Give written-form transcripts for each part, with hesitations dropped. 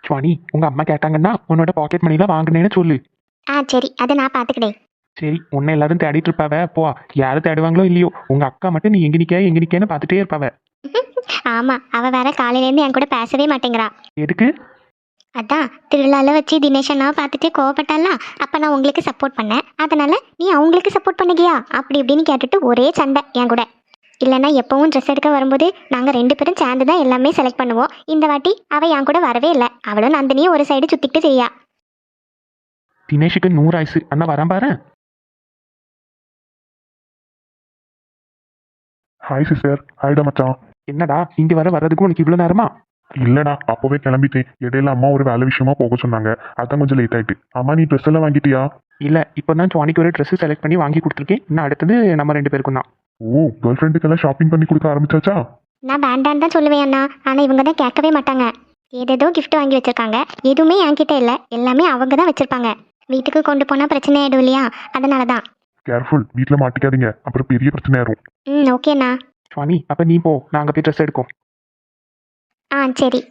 சுவாணி, உங்க அம்மா கேட்டாங்கன்னா உன்னோட பாக்கெட் மணிலாம் வாங்கினேன்னு சொல்லு. சரி, அதை நான் பார்த்துக்கிட்டேன். சரி, உன்னை எல்லாரும் தேடிட்டு இருப்பாவ. போ, யாரும் தேடுவாங்களோ இல்லையோ, உங்க அக்கா மட்டும் நீ எங்க நிக்கேன்னு பார்த்துட்டே இருப்பாவ. ஆமாம், அவள் வேற காலையிலேருந்து என் கூட பேசவே மாட்டேங்கிறா. எதுக்கு? அதான் திருவிழாவில் வச்சு தினேஷ் அண்ணாவை பார்த்துட்டு கோவப்பட்டால, அப்போ நான் உங்களுக்கு சப்போர்ட் பண்ணேன், அதனால நீ அவங்களுக்கு சப்போர்ட் பண்ணுகியா அப்படி இப்படின்னு கேட்டுட்டு ஒரே சண்டை என் கூட. இல்லைன்னா எப்பவும் ட்ரெஸ் எடுக்க வரும்போது நாங்கள் 2 பேரும் சேர்ந்து தான் எல்லாமே செலக்ட் பண்ணுவோம். இந்த வாட்டி அவள் என் கூட வரவே இல்லை. அவளும் நந்தினியும் ஒரு சைடு சுற்றிக்கிட்டு செய்யா. தினேஷுக்கு 100 ஆயுசு. அண்ணா வரேன் பாரு. Hi sister. ஹாய்டா மச்சான். என்னடா இங்க வர்றதுக்கு உனக்கு இவ்வளவு நேரமா? இல்லடா, அப்பவே கிளம்பிட்டேன். இடையில அம்மா ஒரு வேலை விஷயமா போக சொன்னாங்க, அதான் கொஞ்சம் லேட் ஆயிட்டு. அம்மா, நீ ட்ரெஸ் எல்லாம் வாங்கிட்டியா? இல்ல, இப்பதான் சுவானிக்கு ஒரு ட்ரெஸ் செலக்ட் பண்ணி வாங்கி கொடுத்துருக்கேன். இன்னும் அடுத்தது நம்ம 2 பேருக்கும் தான். ஓ, கேர்ள் ஃப்ரெண்டுக்கெல்லாம் ஷாப்பிங் பண்ணி கொடுக்க ஆரம்பிச்சாச்சா? நான் வேண்டான்னு தான் சொல்லுவேன் அண்ணா, ஆனால் இவங்க தான் கேட்கவே மாட்டாங்க. ஏதேதோ கிஃப்ட் வாங்கி வச்சிருக்காங்க, எதுவுமே என்கிட்ட இல்லை, எல்லாமே அவங்க தான் வச்சிருப்பாங்க. வீட்டுக்கு கொண்டு போனால் பிரச்சனை ஆயிடும் இல்லையா, அதனால தான். கேர்ஃபுல், வீட்டில் மாட்டிக்காதீங்க, அப்புறம் பெரிய பிரச்சனை ஆயிரும். ஓகேண்ணா. சுவாமி, அப்ப நீ போ, நாங்க போய் ட்ரெஸ் எடுக்கும். சரி.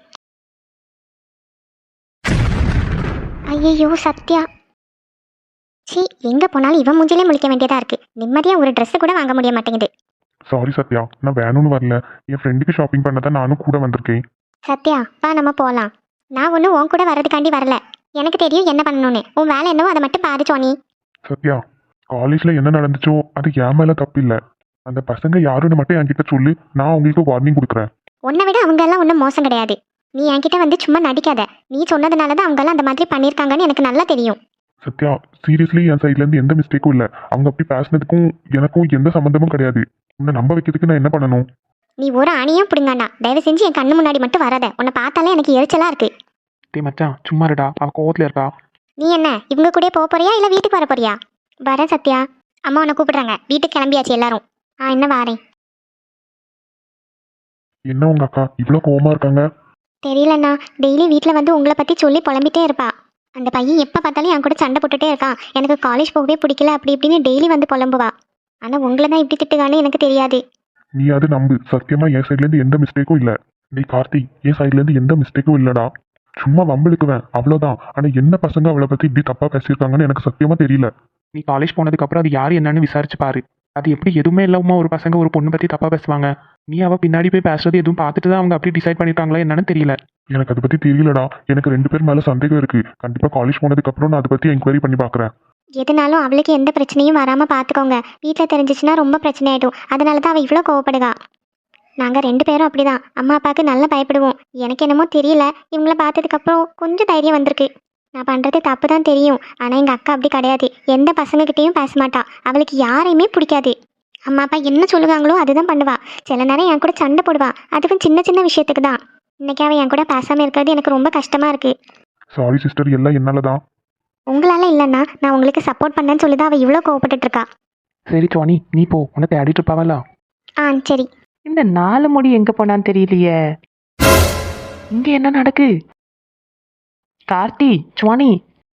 ஐயோ சத்யா, சி எங்கே போனாலும் இவன் மூஞ்சிலே முழிக்க வேண்டியதாக இருக்குது. நிம்மதியாக ஒரு ட்ரெஸ்ஸு கூட வாங்க முடிய மாட்டேங்குது. சாரி சத்யா, நான் வேணும்னு வரல. என் ஃப்ரெண்டுக்கு ஷாப்பிங் பண்ண தான் நானும் கூட வந்திருக்கேன். சத்யா, வா நம்ம போகலாம். நான் ஒன்றும் உன் கூட வர்றதுக்காண்டி வரல, எனக்கு தெரியும் என்ன பண்ணணும்னு. உன் வேலை என்னவோ அதை மட்டும் பாரு சோனி. சத்யா, காலேஜில் என்ன நடந்துச்சோ அது என் மேலே தப்பு இல்லை. அந்த பசங்க யாருன்னு மட்டும் என்கிட்ட சொல்லு, நான் உங்களுக்கு வார்னிங் கொடுக்குறேன். உன்னை விட அவங்க எல்லாம் ஒன்றும் மோசம் கிடையாது. நீ என்கிட்ட வந்து சும்மா நடிக்காத. நீ சொன்னதுனால தான் அவங்க எல்லாம் அந்த மாதிரி பண்ணியிருக்காங்கன்னு எனக்கு நல்லா தெரியும். சத்யா, சீரியஸ்லி என் சைட்லேருந்து எந்த மிஸ்டேக்கும் இல்லை. அவங்க அப்படி பேசினதுக்கும் எனக்கும் எந்த சம்மந்தமும் கிடையாது. உன்னை நம்ப வைக்கிறதுக்கு நான் என்ன பண்ணணும்? நீ ஒரு அணியும் பிடுங்காண்டா. தயவு செஞ்சு என் கண்ணு முன்னாடி மட்டும் வராத. உன்னை பார்த்தாலே எனக்கு எரிச்சலாக இருக்கு. டே மச்சான், சும்மா இருடா, அவ கோவத்துல இருக்கா. நீ என்ன இவங்க கூட போக போறியா இல்லை வீட்டுக்கு வர போறியா? வரேன் சத்யா. அம்மா உன்னை கூப்பிடுறாங்க, வீட்டுக்கு கிளம்பியாச்சு எல்லாரும். என்ன வாரேன். என்ன உங்க அக்கா இவ்வளோ கோவமா இருக்காங்க? தெரியலண்ணா, டெய்லி வீட்டில் வந்து உங்களை பற்றி சொல்லி புலம்பிட்டே இருப்பா. அந்த பையன் எப்போ பார்த்தாலும் என் கூட சண்டை போட்டுட்டே இருக்கான். எனக்கு காலேஜ் போகவே பிடிக்கல அப்படி இப்படின்னு டெய்லி வந்து புலம்புவா. ஆனால் உங்களை தான் இப்படி திட்டுகான்னு எனக்கு தெரியாது. நீ அது நம்பு, சத்தியமா என் சைட்லேருந்து எந்த மிஸ்டேக்கும் இல்லை. நீ கார்த்தி, என் சைட்லேருந்து எந்த மிஸ்டேக்கும் இல்லைடா. சும்மா வம்பிழுக்குவேன் அவ்வளோதான். ஆனால் என்ன பசங்க அவளை பற்றி இப்படி தப்பாக பேசியிருக்காங்கன்னு எனக்கு சத்தியமா தெரியல. நீ காலேஜ் போனதுக்கு அப்புறம் அது யாரு என்னன்னு விசாரிச்சு பாரு. அது எப்படி எதுவுமே இல்லாம ஒரு பசங்க ஒரு பொண்ணு பத்தி தப்பா பேசுவாங்க? நீ அவ பின்னாடி போய் பேசுறது எதுவும் பார்த்துட்டு தான் அவங்க அப்படி டிசைட் பண்ணிருக்காங்களா என்னன்னு தெரியல. எனக்கு அதை பற்றி தெரியலடா. எனக்கு 2 பேர் மேலே சந்தேகம் இருக்கு. கண்டிப்பாக காலேஜ் போனதுக்கு அப்புறம் நான் அதை பற்றி என்கொயரி பண்ணி பார்க்குறேன். எதுனாலும் அவளுக்கு எந்த பிரச்சனையும் வராமல் பார்த்துக்கோங்க. வீட்டில் தெரிஞ்சிச்சுன்னா ரொம்ப பிரச்சனை ஆகிடும். அதனால தான் அவள் இவ்வளோ கோவப்படுதா. நாங்கள் 2 பேரும் அப்படிதான். அம்மா அப்பாவுக்கு நல்லா பயப்படுவோம். எனக்கு என்னமோ தெரியல, இவங்கள பார்த்ததுக்கப்புறம் கொஞ்சம் தைரியம் வந்திருக்கு. நான் பண்ணுறது தப்பு தான் தெரியும், ஆனால் எங்கள் அக்கா அப்படி கிடையாது. எந்த பசங்கக்கிட்டேயும் பேச மாட்டா. அவளுக்கு யாரையுமே பிடிக்காது. அம்மா அப்பா என்ன சொல்லுவாங்களோ அதுதான் பண்ணுவா. சில நேரம் என் கூட சண்டை போடுவா, அதுவும் சின்ன சின்ன விஷயத்துக்கு தான். இன்னைக்கு அவள் என் கூட பேசாமல் இருக்கிறது எனக்கு ரொம்ப கஷ்டமாக இருக்குது. சாரி சிஸ்டர், எல்லாம் என்னால தான். உங்களால் இல்லைன்னா நான் உங்களுக்கு சப்போர்ட் பண்ணேன்னு சொல்லி தான் அவள் இவ்வளோ கோவப்பட்டுட்டு இருக்கா. சரி சுவாணி, நீ போ, உன்னை தேடிட்டு இருப்பாவல்ல. சரி. இந்த 4 முடி எங்க போனான்னு தெரியலையே. இங்க என்ன நடக்கு? கார்த்தி, சுவானி,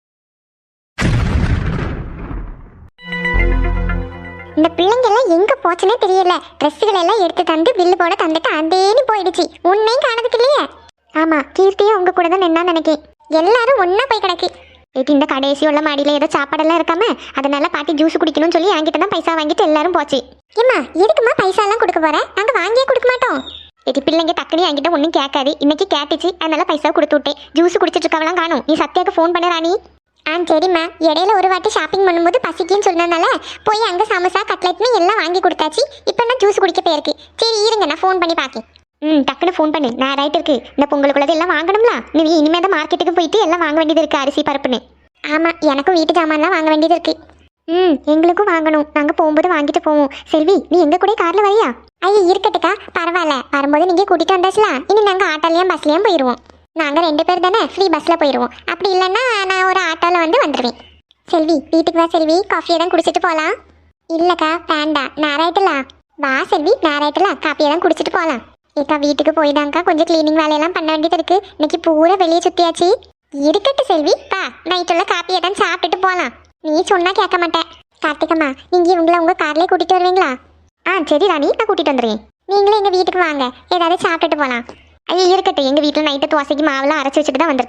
இந்த பிள்ளைங்க எல்லாம் எங்க போச்சுன்னே தெரியல. ட்ரெஸ்ஸுகள் எல்லாம் எடுத்து தந்து பில்லு போட தந்துட்டு அதேன்னு போயிடுச்சு. உன்னையும் காணதுக்கு இல்லையே. ஆமா, கீர்த்தியும் உங்க கூட தான் நின்னா நினைக்கேன். எல்லாரும் ஒன்னா போய் கிடக்கு. இந்த கடைசி உள்ள மாடியில ஏதோ சாப்பாடெல்லாம் இருக்காம, அதனால பாட்டி ஜூஸ் குடிக்கணும்னு சொல்லி என்கிட்ட தான் பைசா வாங்கிட்டு எல்லாரும் போச்சு. ஏம்மா, எதுக்குமா பைசா எல்லாம் கொடுக்க போற? நாங்க வாங்கியே கொடுக்க மாட்டோம். பிள்ளைங்க டக்குனு என்கிட்ட ஒன்றும் கேட்காது. இன்னைக்கு கேட்டுச்சு, அதனால பைசா கொடுத்து விட்டேன். ஜூஸ் குடிச்சிட்டு இருக்கவெல்லாம் காணும். நீ சத்யாவுக்கு ஃபோன் பண்ண ராணி. சரிம்மா. இடையில ஒரு வாட்டி ஷாப்பிங் பண்ணும்போது பசிக்குன்னு சொன்னதுனால போய் அங்கே சமோசா கட்லெட்னு எல்லாம் வாங்கி கொடுத்தாச்சு. இப்போ நான் ஜூஸ் குடிக்க போயிருக்கு. சரி இருங்க, நான் ஃபோன் பண்ணி பார்க்கேன். டக்குன்னு ஃபோன் பண்ணு. நான் ரைட் இருக்கு. இந்த பொங்கலுக்குள்ளது எல்லாம் வாங்கணும்ல. நீ இனிமேல் தான் மார்க்கெட்டுக்கு போயிட்டு எல்லாம் வாங்க வேண்டியது இருக்குது, அரிசி பருப்புன்னு. ஆமாம், எனக்கும் வீட்டு ஜாமான்லாம் வாங்க வேண்டியது இருக்குது. எங்களுக்கும் வாங்கணும். நாங்கள் போகும்போது வாங்கிட்டு போவோம். செல்வி, நீ எங்கள் கூட காரில் வரியா? ஐயா இருக்கட்டுக்கா, பரவாயில்ல. வரும்போது நீங்கள் கூட்டிகிட்டு வந்தாச்சுலாம். இனி நாங்கள் ஆட்டோலையும் பஸ்லேயும் போயிடுவோம். நாங்கள் 2 பேர் தானே, ஃப்ரீ பஸ்ஸில் போயிடுவோம். அப்படி இல்லைன்னா நான் ஒரு ஆட்டோவில் வந்துடுவேன். செல்வி, வீட்டுக்கு வா செல்வி, காஃபியை தான் குடிச்சிட்டு போகலாம். இல்லைக்கா வேண்டாம், நேராயிட்டலாம். வா செல்வி, நேராயிட்டலாம், காஃபியை தான் குடிச்சிட்டு போகலாம். ஏக்கா வீட்டுக்கு போய் தாங்க்கா கொஞ்சம் க்ளீனிங் வேலையெல்லாம் பண்ண வேண்டியது இருக்குது. இன்னைக்கு பூரா வெளியே சுற்றியாச்சு. இருக்கட்டு செல்வி, பா நைட்டுள்ள காப்பியை தான் சாப்பிட்டுட்டு போகலாம். நீ சொன்னால் கேட்க மாட்டேன். கார்த்திகம்மா, நீங்கள் இவங்கள உங்கள் கார்லேயே கூட்டிகிட்டு வருவீங்களா? சரி ராணி, நான் கூட்டிகிட்டு வந்துடுவேன். நீங்களும் எங்கள் வீட்டுக்கு வாங்க, ஏதாவது சாப்பிட்டுட்டு போகலாம். இருக்கட்டும், எங்கள் வீட்டில் நைட்டு தோசைக்கு மாவுலாம் அரைச்சி வச்சுட்டு தான் வந்திருக்கேன்.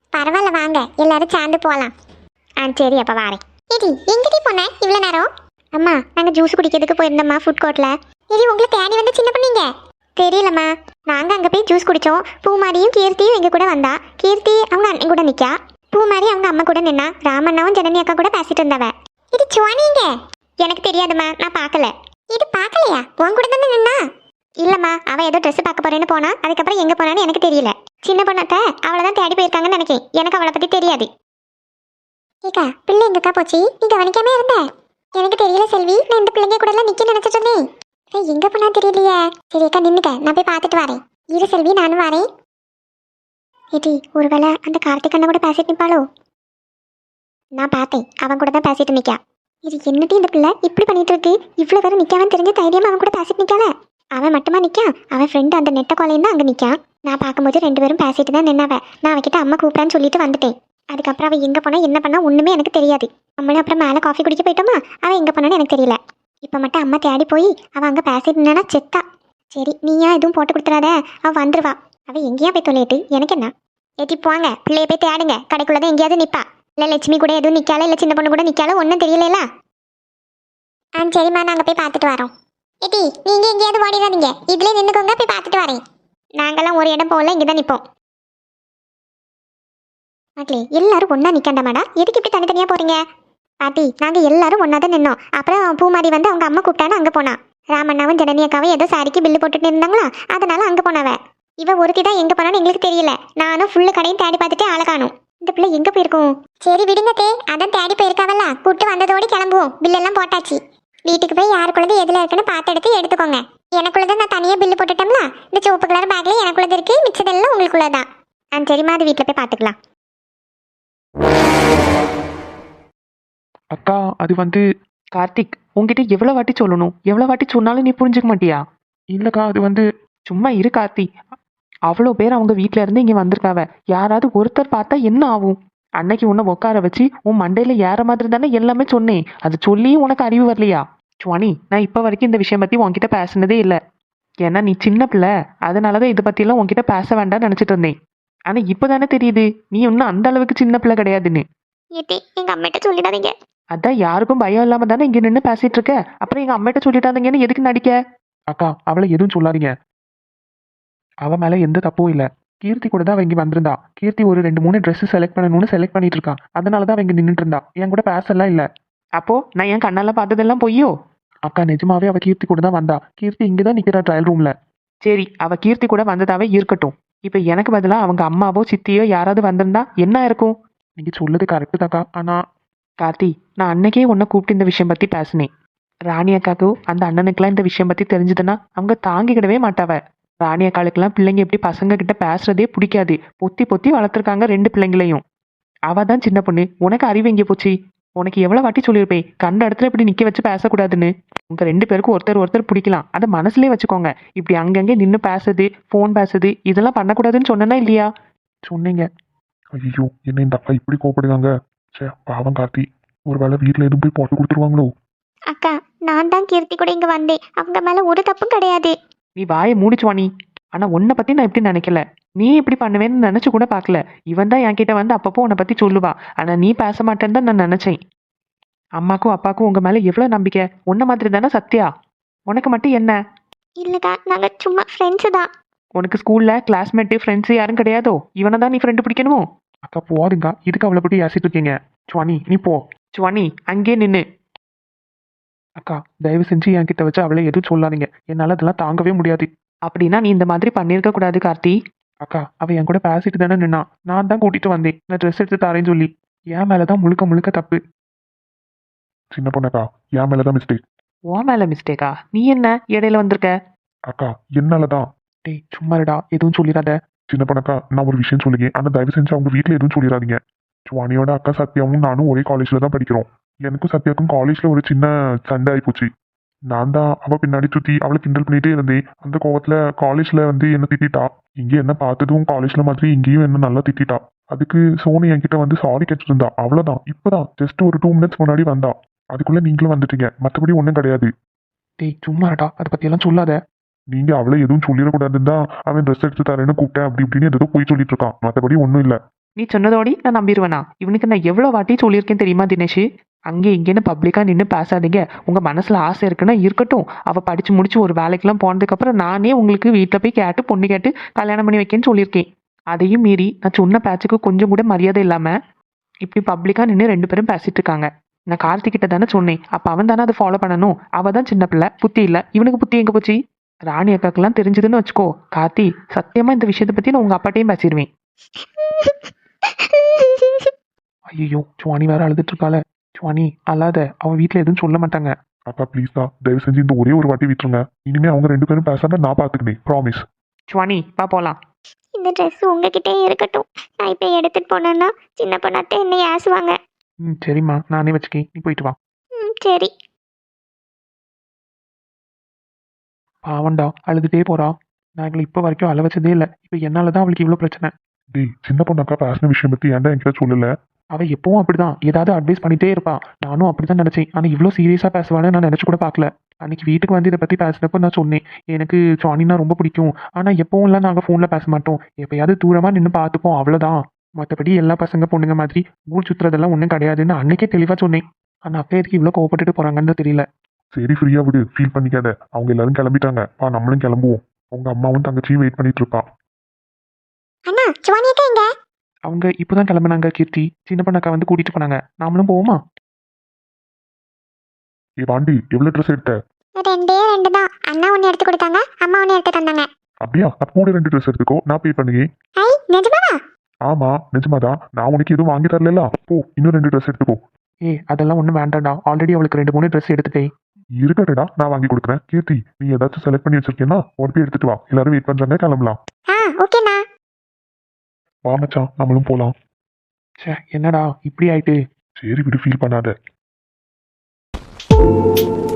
பரவாயில்ல வாங்க எல்லாரும் சேர்ந்து போகலாம். ஆ சரி அப்போ வாரேன். ஏடி எங்கடி போன இவ்வளோ நேரம்? அம்மா நாங்கள் ஜூஸ் குடிக்கிறதுக்கு போயிருந்தோம்மா ஃபுட் கோர்ட்டில். ஏடி உங்களை தேடி வந்து சின்ன பண்ணீங்க தெரியலம்மா. நாங்கள் அங்கே போய் ஜூஸ் குடித்தோம். பூமாரியும் கீர்த்தியும் எங்கள் கூட வந்தா. கீர்த்தி அவங்க அண்ணன் கூட நிற்கா. பூமாரி அவங்க அம்மா கூட நின்னா. ராமண்ணாவும் ஜனனி அக்கா கூட பேசிட்டு இருந்தவ. இது சுவானிங்க. எனக்கு தெரியாதும்மா, நான் பார்க்கல. இது பார்க்கலையா? உன் கூட தானே நின்னா? இல்லம்மா, அவன் ஏதோ ட்ரெஸ் பார்க்க போறேன்னு போனா. அதுக்கப்புறம் எங்க போனான்னு எனக்கு தெரியல. சின்ன பொண்ணாத்த அவளை தான் தேடி போயிருக்காங்கன்னு நினைக்கிறேன். எனக்கு அவளை பத்தி தெரியாது. ஏக்கா பிள்ளை எங்கக்கா போச்சு? நீ கவனிக்காம இருந்த? எனக்கு தெரியல செல்வி, நான் இந்த பிள்ளைங்க கூட எல்லாம் நிக்க நினைச்சிட்டு இருந்தேன். எங்க போனா தெரியலையே. சரி அக்கா நின்னுக்க, நான் போய் பார்த்துட்டு வரேன். இரு செல்வி, நானும் வரேன். ஏடி ஒருவேளை அந்த கார்த்திக் அண்ணன் கூட பேசிட்டு நிப்பாளோ? நான் பார்த்தேன், அவன் கூட தான் பேசிட்டு நிக்கா. இது என்னடி இந்த பிள்ளை இப்படி பண்ணிட்டு இருக்கு? இவ்வளவு பேரும் நிக்காமன்னு தெரிஞ்ச தைரியமா அவன் கூட பேசிட்டு நிக்கால. அவன் மட்டுமா நிக்கான், அவன் ஃப்ரெண்டு அந்த நெட்ட கோலையும் தான் அங்க நிக்கான். நான் பார்க்கும்போது 2 பேரும் பேசிட்டு தான் நின்னாவ. நான் அவகிட்ட அம்மா கூப்பிடான்னு சொல்லிட்டு வந்துட்டேன். அதுக்கப்புறம் அவன் எங்க போனா என்ன பண்ணா ஒண்ணுமே எனக்கு தெரியாது. நம்மளும் அப்புறம் மேலே காஃபி குடிக்க போயிட்டோமா, அவன் எங்க போனான்னு எனக்கு தெரியல. இப்ப மட்டும் அம்மா தேடி போய் அவன் அங்க பேசிட்டு நின்னா செத்தா. சரி நீயா எதுவும் போட்டு கொடுத்துறாத, அவ வந்துருவா. அவ எங்கேயா போய் தொலையிட்டு எனக்கு என்ன. ஏற்றி போங்க, பிள்ளைய போய் தேடுங்க. கடைக்குள்ளதான் எங்கேயாவது நிப்பா. இல்ல லட்சுமி கூட எதுவும் நிக்கால, இல்ல சின்ன பொண்ணு கூட நிக்கால, ஒன்றும் தெரியல. ஆ சரிம்மா, நாங்க போய் பார்த்துட்டு வரோம். ஏட்டி நீங்க எங்கேயாவது ஓடிடாதீங்க, இதுல நின்னுக்கோங்க, போய் பார்த்துட்டு வரேன். நாங்கெல்லாம் ஒரு இடம் போகல, இங்கதான் நிப்போம். மக்களே எல்லாரும் ஒன்னா நிக்கண்டாமாடா, எதுக்கு இப்படி தனித்தனியா போறீங்க? பாட்டி நாங்க எல்லாரும் ஒன்னா தான் நின்னோம். அப்புறம் பூமாரி வந்து அவங்க அம்மா கூப்பிட்டான்னு அங்க போனா. ராமண்ணாவும் ஜனனி அக்காவும் ஏதோ சாரிக்கு பில்லு போட்டுட்டு இருந்தாங்களா, அதனால அங்க போனவ. இவ ஒருத்தி தான் எங்க போனான்னு எங்களுக்கு தெரியல. நானும் ஃபுல்லு கடையும் தேடி பார்த்துட்டு ஆளை காணும். இந்த பிள்ளை எங்க போயிருக்கும்? சரி விடுங்க தே, அதான் தேடி போயிருக்காவல்ல, கூட்டு வந்ததோடு கிளம்புவோம். பில்லெல்லாம் போட்டாச்சு. வீட்டுக்கு போய் யாருக்குள்ளது எதுல இருக்குன்னு பார்த்து எடுத்துக்கோங்க. எனக்குள்ளதை நான் தனியா பில்லு போட்டுட்டோம்ல. இந்த சிவப்பு கலர் பேக்ல எனக்குள்ளது இருக்கு, மிச்சதெல்லாம் உங்களுக்குள்ளதான். ஆ சரிம்மா, அது வீட்டுல போய் பார்த்துக்கலாம். அக்கா அது வந்து கார்த்திக், உன்கிட்ட எவ்வளோ வாட்டி சொல்லணும்? எவ்வளோ வாட்டி சொன்னாலும் நீ புரிஞ்சுக்க மாட்டியா? இல்லக்கா அது வந்து சும்மா இரு கார்த்தி. அவ்வளோ பேர் அவங்க வீட்டில இருந்து இங்கே வந்திருக்காவ. யாராவது ஒருத்தர் பார்த்தா என்ன ஆகும்? அன்னைக்கு உன்னை உட்கார வச்சு உன் மண்டையில ஏற மாதிரி தானே எல்லாமே சொன்னேன். அது சொல்லியும் உனக்கு அறிவு வரலையா? சுவானி, நான் இப்போ வரைக்கும் இந்த விஷயம் பற்றி உன்கிட்ட பேசினதே இல்லை. ஏன்னா நீ சின்ன பிள்ளை, அதனாலதான் இதை பற்றியெல்லாம் உன்கிட்ட பேச வேண்டாம்னு நினச்சிட்டு இருந்தேன். ஆனால் இப்போ தானே தெரியுது நீ இன்னும் அந்த அளவுக்கு சின்ன பிள்ளை கிடையாதுன்னு. ஏட்டி எங்க அம்மிட்ட சொல்லிடாதீங்க. அதான் யாருக்கும் பயம் இல்லாம தானே இங்க நின்று பேசிட்டு இருக்க. அப்புறம் எங்க அம்மிட்ட சொல்லிட்டாதீங்கன்னு எதுக்கு நடிக்க? அக்கா அவளை எதுவும் சொல்லாதீங்க. அவ மேல எந்த தப்பும் இல்ல. கீர்த்தி கூட தான் அவ இங்க வந்திருந்தா. கீர்த்தி ஒரு 2-3 ட்ரெஸ் செலக்ட் பண்ணணும்னு செலக்ட் பண்ணிட்டு இருக்கா. அதனாலதான் அவ இங்க நின்றுட்டு இருந்தா. என் கூட பேசலாம் இல்ல. அப்போ நான் என் கண்ணால பார்த்ததெல்லாம் பொய்யோ? அக்கா நிஜமாவே அவ கீர்த்தி கூட தான் வந்தா. கீர்த்தி இங்கதான் நிக்கிறா ட்ரையல் ரூம்ல. சரி, அவ கீர்த்தி கூட வந்ததாவே இருக்கட்டும். இப்ப எனக்கு பதிலா அவங்க அம்மாவோ சித்தியோ யாராவது வந்திருந்தா என்ன இருக்கும்? நீங்க சொல்லுது கரெக்டு தாக்கா. ஆனா கார்த்தி, நான் அன்னைக்கே உன்னை கூப்பிட்டு இந்த விஷயம் பத்தி பேசினேன். ராணி அக்காக்கும் அந்த அண்ணனுக்கெல்லாம் இந்த விஷயம் பத்தி தெரிஞ்சதுன்னா அவங்க தாங்கிக்கிடவே மாட்டாவ. ராணி அக்காளுக்கெல்லாம் பிள்ளைங்க எப்படி பசங்க கிட்ட பேசுறதே பிடிக்காது. பொத்தி பொத்தி வளர்த்துருக்காங்க 2 பிள்ளைங்களையும். அவ தான் சின்ன பொண்ணு, உனக்கு அறிவு எங்கே போச்சு? உனக்கு எவ்வளவு வாட்டி சொல்லியிருப்பேன் கண்ட இடத்துல இப்படி நிக்க வச்சு பேசக்கூடாதுன்னு. உங்க 2 பேருக்கும் ஒருத்தர் பிடிக்கலாம், அதை மனசுலயே வச்சுக்கோங்க. இப்படி அங்கங்கே நின்று பேசுது, ஃபோன் பேசுது, இதெல்லாம் பண்ணக்கூடாதுன்னு சொன்னனா இல்லையா? சொன்னீங்க. ஐயோ என்ன இந்த அக்கா இப்படி கோவப்படுவாங்க? சே பாவம் கார்த்தி, ஒருவேளை வீட்டில் எதுவும் போய் போட்டு கொடுத்துருவாங்களோ? அக்கா நான் தான் கீர்த்தி கூட இங்க வந்தேன். அவங்க மேல ஒரு தப்பும் கிடையாது. நீ வாயை மூடிச்சுவானி. ஆனா உன்னை பத்தி நான் இப்படி நினைக்கல. நீ இப்படி பண்ணுவேன்னு நினைச்சு கூட பார்க்கல. இவன் தான் என்கிட்ட வந்து அப்பப்போ உன்னை பத்தி சொல்லுவா. ஆனா நீ பேச மாட்டேன்னு தான் நான் நினைச்சேன். அம்மாக்கும் அப்பாக்கும் உங்க மேல எவ்வளவு நம்பிக்கை. உன்ன மாதிரி தானே சத்யா. உனக்கு மட்டும் என்ன? இல்லக்கா நாங்க சும்மா ஃப்ரெண்ட்ஸ் தான். உனக்கு ஸ்கூல்ல கிளாஸ்மேட்டு ஃப்ரெண்ட்ஸ் யாரும் கிடையாதோ? இவனை தான் நீ ஃப்ரெண்டு பிடிக்கணுமோ? அக்கா போதுங்க, இதுக்கு அவளை பற்றி ஏசிட்டு இருக்கீங்க. சுவானி நீ போ. சுவானி அங்கே நின்னு. அக்கா தயவு செஞ்சு என்கிட்ட வச்சு அவளை எதுவும் சொல்லாதீங்க. என்னால அதெல்லாம் தாங்கவே முடியாது. அப்படின்னா நீ இந்த மாதிரி பண்ணியிருக்க கூடாது கார்த்தி. அக்கா அவ என் கூட பேசிட்டு தானே நின்னா. நான் தான் கூட்டிட்டு வந்தேன், நான் ட்ரெஸ் எடுத்து தரேன்னு சொல்லி. என் மேலதான் முழுக்க முழுக்க தப்பு. சின்ன பொண்ணக்கா, என் மேலதான் மிஸ்டேக். உன் மேல மிஸ்டேக்கா? நீ என்ன இடையில வந்திருக்க? அக்கா என்னாலதான். டேய் சும்மாடா, எதுவும் சொல்லிடாத. சின்ன பொண்ணக்கா, நான் ஒரு விஷயம் சொல்லுங்க, ஆனா தயவு செஞ்சு அவங்க வீட்டில் எதுவும் சொல்லிடாதீங்க. சுவானியோட அக்கா சத்யாவும் நானும் ஒரே காலேஜ்ல தான் படிக்கிறோம். எனக்கும் சத்யாவுக்கும் காலேஜ்ல ஒரு சின்ன சண்டை ஆயிப்போச்சு. நான் தான் அவ பின்னாடி சுத்தி அவளை கிண்டல் பண்ணிட்டே இருந்தேன். அந்த கோவத்துல காலேஜ்ல வந்து என்ன திட்டா. இங்க என்ன பார்த்ததும் காலேஜ்ல மாதிரி இங்கேயும் என்ன நல்லா திட்டா. அதுக்கு சோனி என்கிட்ட வந்து சாரி கேட்டுட்டு இருந்தா. அவ்வளவுதான், இப்பதான் ஜஸ்ட் ஒரு 2 மினிட்ஸ் முன்னாடி வந்தா. அதுக்குள்ள நீங்களும் வந்துட்டீங்க, மற்றபடி ஒன்றும் கிடையாது. டேய் சும்மாடா, அதை பத்தியெல்லாம் சொல்லாத. நீங்க அவளை எதுவும் சொல்லிடக்கூடாதுன்னு தான் அவன் ட்ரெஸ் எடுத்து தரேன்னு கூப்பிட்டேன் அப்படி இப்படின்னு ஏதோ போய் சொல்லிட்டு இருக்கான். மற்றபடி ஒன்றும் இல்லை. நீ சொன்னதோடி நான் நம்பிடுவேனா? இவனுக்கு நான் எவ்வளோ வாட்டி சொல்லியிருக்கேன் தெரியுமா தினேஷ்? அங்கே இங்கேன்னு பப்ளிக்காக நின்று பேசாதீங்க. உங்கள் மனசில் ஆசை இருக்குன்னா இருக்கட்டும். அவள் படித்து முடிச்சு ஒரு வேலைக்கெல்லாம் போனதுக்கப்புறம் நானே உங்களுக்கு வீட்டில் போய் கேட்டு பொண்ணு கேட்டு கல்யாணம் பண்ணி வைக்கேன்னு சொல்லியிருக்கேன். அதையும் மீறி நான் சொன்ன பேச்சுக்கு கொஞ்சம் கூட மரியாதை இல்லாமல் இப்படி பப்ளிக்காக நின்று ரெண்டு பேரும் பேசிட்டு இருக்காங்க. நான் கார்த்திகிட்ட தானே சொன்னேன். அப்போ அவன் தானே அதை ஃபாலோ பண்ணணும். அவள் தான் சின்ன பிள்ளை, புத்தி இல்லை. இவனுக்கு புத்தி எங்கே போச்சு? ராணி அக்காக்கெல்லாம் தெரிஞ்சதுன்னு வச்சுக்கோ கார்த்தி, சத்தியமாக இந்த விஷயத்தை பற்றி நான் உங்கள் அப்பாட்டையும் பேசிடுவேன். ஐயோ சுவானி வேற அழுதுட்டு இருக்காள. சுவானி அழாத, அவ வீட்டில் எதுவும் சொல்ல மாட்டாங்க. அக்கா ப்ளீஸ் தான், தயவு செஞ்சு இந்த ஒரே ஒரு வாட்டி விட்டுருங்க. இனிமே அவங்க ரெண்டு பேரும் பேசாம நான் பாத்துக்கிறேன், ப்ராமிஸ். சுவானி வா போகலாம். இந்த ட்ரெஸ் உங்ககிட்டே இருக்கட்டும். நான் இப்போ எடுத்துட்டு போனேன்னா சின்ன பொண்ணாத்தே என்னை ஏசுவாங்க. ம் சரிம்மா, நானே வச்சுக்கேன், நீ போயிட்டு வா. சரி. பாவண்டா அழுதுட்டே போறா. நான் எங்களை இப்போ வரைக்கும் அழ வச்சதே இல்லை. இப்போ என்னால தான் அவளுக்கு இவ்வளோ பிரச்சனை. டேய், சின்ன பொண்ணாக்கா பேசின விஷயம் பத்தி ஏன்டா என்கிட்ட சொல்லல? அவ எப்பவும் அப்படிதான் ஏதாவது அட்வைஸ் பண்ணிட்டே இருப்பா. நானும் அப்படிதான் நினைச்சேன். ஆனா இவ்வளோ சீரியஸா பேசுவான்னு நான் நினைச்சு கூட பார்க்கல. அன்னைக்கு வீட்டுக்கு வந்து இதை பத்தி பேசினப்போ நான் சொன்னேன், எனக்கு சுவானினா ரொம்ப பிடிக்கும். ஆனா எப்பவும்லாம் நாங்க ஃபோன்ல பேச மாட்டோம், எப்பயாவது தூரமா நின்று பார்த்துப்போம், அவ்வளவுதான். மற்றபடி எல்லா பசங்க பொண்ணுங்க மாதிரி ஊர் சுத்துறதெல்லாம் ஒன்றும் கிடையாதுன்னு அன்னைக்கே தெளிவா சொன்னேன். ஆனா அப்ப எதுக்கு இவ்வளோ கோவப்பட்டுட்டு போறாங்கன்னு தெரியல. சரி ஃப்ரீயா விடு, ஃபீல் பண்ணிக்காத. அவங்க எல்லாரும் கிளம்பிட்டாங்க, நம்மளும் கிளம்புவோம். உங்க அம்மாவும் தங்கச்சியும் வெயிட் பண்ணிட்டு இருப்பா. அண்ணா சுவானி அக்கா எங்க? அவங்க இப்போதான் கிளம்புனாங்க கீர்த்தி. சின்ன பொண்ணக்கா வந்து கூட்டிட்டு போனாங்க. நாமளும் போவோமா? ஏ பாண்டி, எவ்வளவு ட்ரெஸ் எடுத்த? ரெண்டே ரெண்டு தான். அண்ணா ஒன்று எடுத்து கொடுத்தாங்க, அம்மா ஒன்று எடுத்து தந்தாங்க. அப்படியா? அப்ப கூட 2 ட்ரெஸ் எடுத்துக்கோ, நான் பே பண்ணுங்க. ஐ நிஜமாவா? ஆமா நிஜமாதான், நான் உனக்கு எதுவும் வாங்கி தரல. போ, இன்னும் 2 ட்ரெஸ் எடுத்துக்கோ. அதெல்லாம் ஒன்றும் வேண்டாம்டா, ஆல்ரெடி அவளுக்கு 2 3 ட்ரெஸ் எடுத்துட்டேன். இருக்கட்டா, நான் வாங்கி கொடுக்குறேன். கீர்த்தி, நீ ஏதாச்சும் செலக்ட் பண்ணி வச்சிருக்கேன்னா ஒரு போய் எடுத்துட்டு வா. எல்லாரும் வெயிட் பண்றாங்க, கிளம்பலாம். ஓகேண்ணா. வா மச்சான், நம்மளும் போலாம். ச்சே என்னடா இப்படி ஆயிட்டு. சரி விடு, ஃபீல் பண்ணாத.